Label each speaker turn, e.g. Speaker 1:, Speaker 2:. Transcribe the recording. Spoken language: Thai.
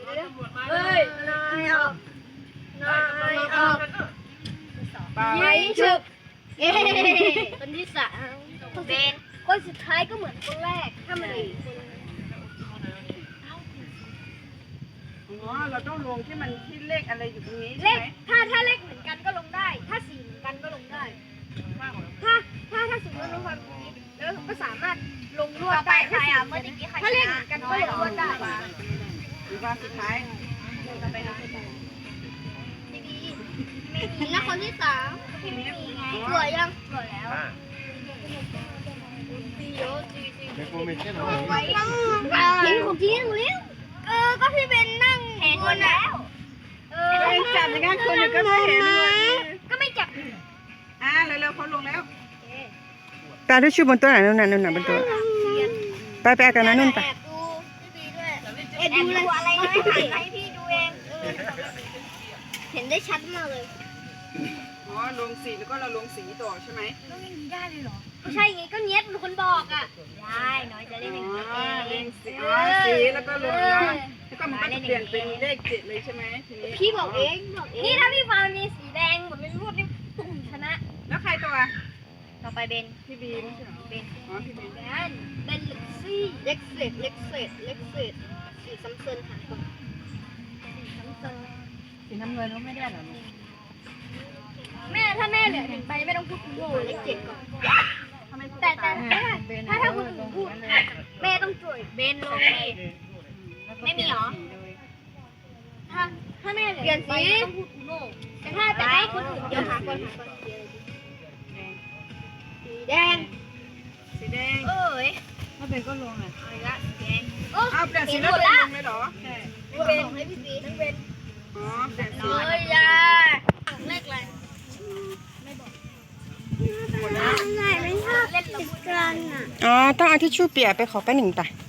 Speaker 1: เฮ้ยนายออกยิงฉุบคนที่สามเบนคนสุดท้ายก็เหมือนคนแรกถ้ามันอีก
Speaker 2: เราต้องลงที่มันที่เลขอะไรอยู่ตรงนี้
Speaker 1: เล
Speaker 2: ใช่
Speaker 1: ข
Speaker 2: ไหม
Speaker 1: ถ้าเลขเหมือนกันก็ลงได้ ถ้าสีเหมือนกันก็ลงได้ ถ้าสมมติลงความตรงนี้แล้วก็สามารถลงลวดได้ถ้าเลขเหมือนกันก็ลงลวดได้
Speaker 2: หรือว่าสุดท้าย
Speaker 1: ไม่มีแล้วคนที่สามไม่มีไงสวยยังสวยแล้วไว้ทิ้งผมทิ้งเร็วก็พี่เบนนั่งเห็นคนแล้ว
Speaker 2: เป็นจับอย่างงั้นคนก็ไม่เห็นเลย
Speaker 1: ก็ไม่จับ
Speaker 2: เร็วๆเขาลงแล้ว
Speaker 3: ตาที่ชูบนตัวไหนนู่นน่ะบนตัวไปกันนะนู่นไป
Speaker 1: ดูเลยอะไรนะให้พี่ดูเองเห็นได้ชัดมากเลย
Speaker 2: ลงสีแล้วก็เราลงสีต่อใช่ไหม
Speaker 1: ต้องอย่างนี้ได้เลยเหรอไม่ใช่ไงก็เนี้ยเป็นคนบอกอ่ะได้น้อยจะเล่นอย่างนี้เอง
Speaker 2: สีแล้วก็ลงแล้วก็มันก็จะเปลี่ยนเป็นเลข7เลยใช่ไหมทีนี้
Speaker 1: พี่บอกเองนี่ถ้าพี่ฟามีสีแดงหมดเลยรูดนี่ตุ่มชนะ
Speaker 2: แล้วใครต่
Speaker 1: อไปเบน
Speaker 2: พี่บีไม่ใช่หรอ
Speaker 1: เบน
Speaker 2: พี่บี
Speaker 1: เบนเล็กซี่สีซ้ำเซินหาคนสีซ้ำเซิน
Speaker 2: สีน้ำเงินก็ไม่ได้หรอ
Speaker 1: แม่ถ้าแม่เหลือ1ใบไม่ต้องพูดคุณโง่เลข7ก่อนแต่ถ้าคุณอื่นพูดแม่ต้องจ่วยเบนลงไม่มีหรอถ้าแม่เหลือ1ใบต้องพูดคุณโง่แต่ถ้าคนอื่นเดี๋ยวหาคนสีแดง
Speaker 2: ถ้าเป็นก็ลงอ่ะ
Speaker 1: อะไรละสีแดง
Speaker 2: เอาเปลี่ยนสีแล้วลงเลยเหรอ
Speaker 1: ใช่เป็นให้พี่สีนั่งเป็น
Speaker 2: เปลี่ยนสี
Speaker 1: เลยยาเลขอะไรไม่บอกไม่ชอบเล่นติดกันอ่ะ
Speaker 3: ต้องเอาทิชชู่เปียกไปขอป้าหนึ่งตา